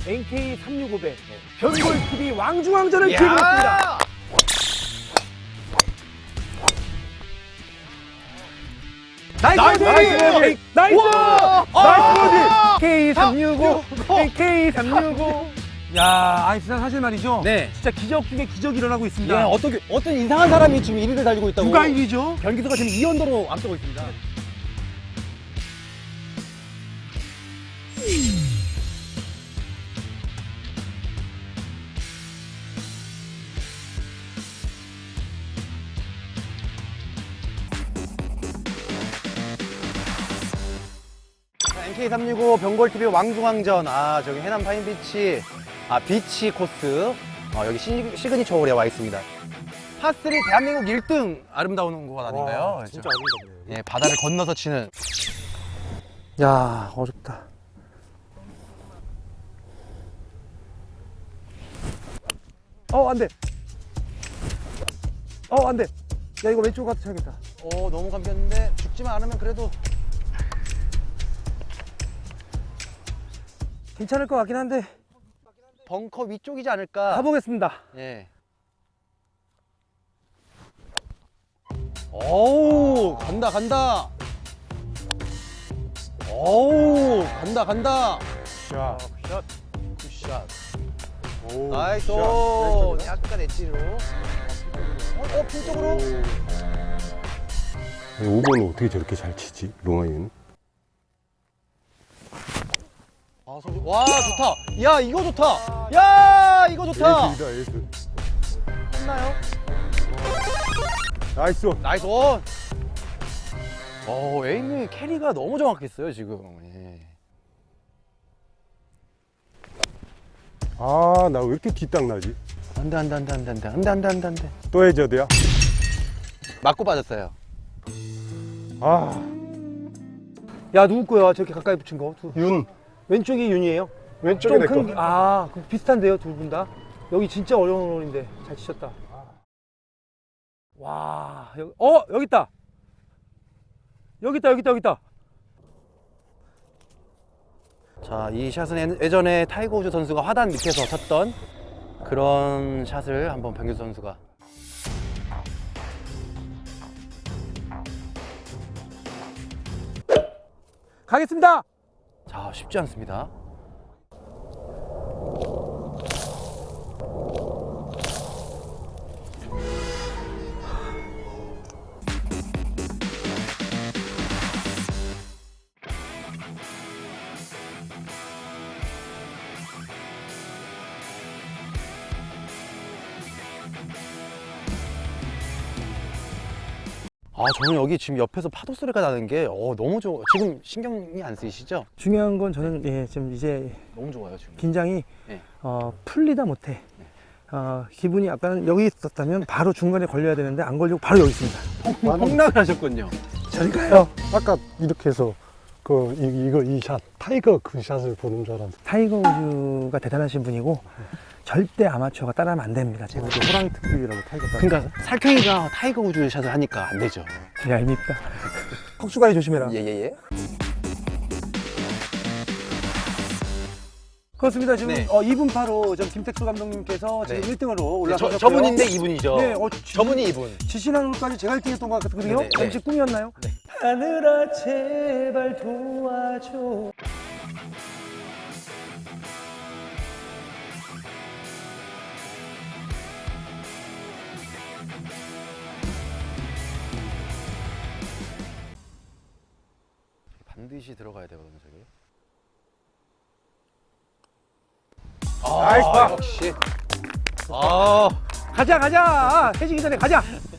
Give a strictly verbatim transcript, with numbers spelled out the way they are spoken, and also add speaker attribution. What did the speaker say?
Speaker 1: 엔케이 삼백육십오 변골티비 왕중왕전을 기획을 했습니다. 나이스 버디! 나이스! 나이스 버디! 케이 삼백육십오 케이 삼백육십오
Speaker 2: 야, 아니 진짜 사실 말이죠.
Speaker 1: 네.
Speaker 2: 진짜 기적 중에 기적이 일어나고 있습니다.
Speaker 1: 예, 어떻게, 어떤 이상한 사람이 지금 일 위를 달리고 있다고.
Speaker 2: 누가 일 위죠?
Speaker 1: 변기수가 지금 이 언더로 앞서고 있습니다. 엔케이 삼백육십오 변골티비 왕중왕전. 아, 저기 해남 파인비치, 아, 비치 코스. 어, 여기 시, 시그니처 홀에 와 있습니다. 파삼 대한민국 일 등 아름다운 곳 아닌가요?
Speaker 2: 와, 진짜 아름답네요.
Speaker 1: 예, 바다를 건너서 치는.
Speaker 2: 야, 어렵다. 어, 안 돼. 어, 안 돼. 야, 이거 왼쪽 가서 쳐야겠다.
Speaker 1: 오, 너무 감겼는데 죽지만 않으면 그래도.
Speaker 2: 괜찮을 것 같긴 한데
Speaker 1: 벙커 위쪽이지 않을까.
Speaker 2: 가보겠습니다.
Speaker 1: 예. 오우, 간다, 간다. 오우, 간다, 간다.
Speaker 2: 자,
Speaker 1: 굿샷. 굿샷.
Speaker 2: 오,
Speaker 1: 나이스.
Speaker 2: 샷.
Speaker 1: 약간 엣지로. 어, 어, 핀 쪽으로.
Speaker 3: 오 번은 어떻게 저렇게 잘 치지? 롱아이는?
Speaker 1: 아, 소리. 와, 좋다. 야, 이거 좋다. 야, 이거 좋다.
Speaker 3: 에이스이다, 에이스.
Speaker 1: 했나요?
Speaker 3: 나이스.
Speaker 1: 나이스 온. 어, 에이미 캐리가 너무 정확했어요, 지금. 예.
Speaker 3: 아, 나 왜 이렇게 뒷땅 나지?
Speaker 1: 안 돼, 안 돼, 안 돼, 안 돼, 안 돼, 안 돼, 안 돼, 안 돼, 안 돼.
Speaker 3: 또 해저드야?
Speaker 1: 맞고 빠졌어요.
Speaker 3: 아,
Speaker 2: 야, 누구 거야? 저렇게 가까이 붙인 거? 두.
Speaker 3: 윤.
Speaker 2: 왼쪽이 윤이에요?
Speaker 3: 왼쪽에 내 거.
Speaker 2: 큰, 아, 그 비슷한데요, 두 분 다? 여기 진짜 어려운 홀인데 잘 치셨다. 와, 여기, 어, 여기 있다. 여기 있다, 여기 있다, 여기 있다.
Speaker 1: 자, 이 샷은 예- 예전에 타이거 우즈 선수가 화단 밑에서 쳤던 그런 샷을 한번 변규 선수가.
Speaker 2: 가겠습니다.
Speaker 1: 자, 쉽지 않습니다. 아, 저는 여기 지금 옆에서 파도 소리가 나는 게 어, 너무 좋아. 지금 신경이 안 쓰이시죠?
Speaker 2: 중요한 건 저는 예, 지금 이제
Speaker 1: 너무 좋아요, 지금.
Speaker 2: 긴장이
Speaker 1: 네.
Speaker 2: 어, 풀리다 못해. 어, 기분이 약간 여기 있었다면 바로 중간에 걸려야 되는데 안 걸리고 바로 여기 있습니다.
Speaker 1: 폭락을 하셨군요.
Speaker 2: 저리가요.
Speaker 3: 아까 이렇게 해서 그 이, 이거 이 샷, 타이거 그 샷을 보는 줄 알았는데.
Speaker 2: 타이거 우즈가 대단하신 분이고 절대 아마추어가 따라하면 안 됩니다. 제가
Speaker 3: 이게 호랑이 특집이라고 타이거 따.
Speaker 1: 그러니까 살쾡이가 타이거 우즈 샷을 하니까 안 되죠.
Speaker 2: 야, 입니다. kok수가이 조심해라.
Speaker 1: 예예예.
Speaker 2: 그렇습니다. 지금
Speaker 1: 네.
Speaker 2: 어, 이 분 파로 저 김택수 감독님께서 지금
Speaker 1: 네.
Speaker 2: 일 등으로 올라가셨고요.
Speaker 1: 저, 저분인데 이분이죠.
Speaker 2: 네, 어, 지-
Speaker 1: 저분이 이분.
Speaker 2: 지시난 홀까지 제가 일 등 했던 것 같거든요.
Speaker 1: 네, 네,
Speaker 2: 잠시 꿈이었나요?
Speaker 1: 네.
Speaker 2: 하늘아 제발 도와줘.
Speaker 1: 반드시 들어가야 되거든요, 저기.
Speaker 2: 나이스
Speaker 1: 아, 역시. 아,
Speaker 2: 가자 가자. 해지기 전에 가자.